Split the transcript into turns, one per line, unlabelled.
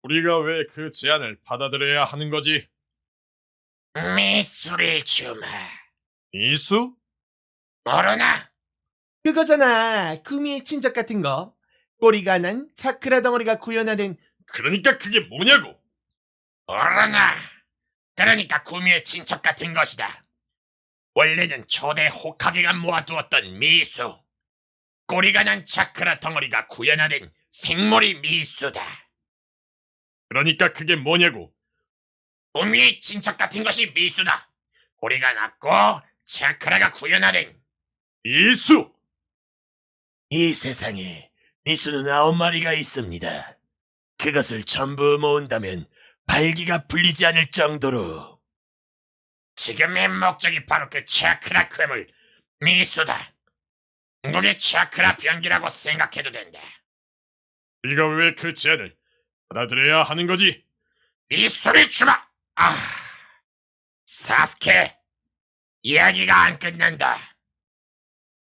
우리가 왜 그 제안을 받아들여야 하는 거지?
미술을 주마.
이수?
모르나?
그거잖아. 구미의 친척 같은 거. 꼬리가 난 차크라 덩어리가 구현화된.
그러니까 그게 뭐냐고?
모르나? 그러니까 구미의 친척 같은 것이다. 원래는 초대 호카게가 모아두었던 미수. 꼬리가 난 차크라 덩어리가 구현화된 생머리 미수다.
그러니까 그게 뭐냐고?
구미의 친척 같은 것이 미수다. 꼬리가 낮고 차크라가 구현화된.
이수!
이 세상에 미수는 9마리가 있습니다. 그것을 전부 모은다면 발기가 풀리지 않을 정도로.
지금의 목적이 바로 그 차크라 괴물 미수다. 궁극의 차크라 변기라고 생각해도 된다.
우리가 왜 그 제안을 받아들여야 하는 거지?
미술을 주마! 사스케, 이야기가 안 끝난다.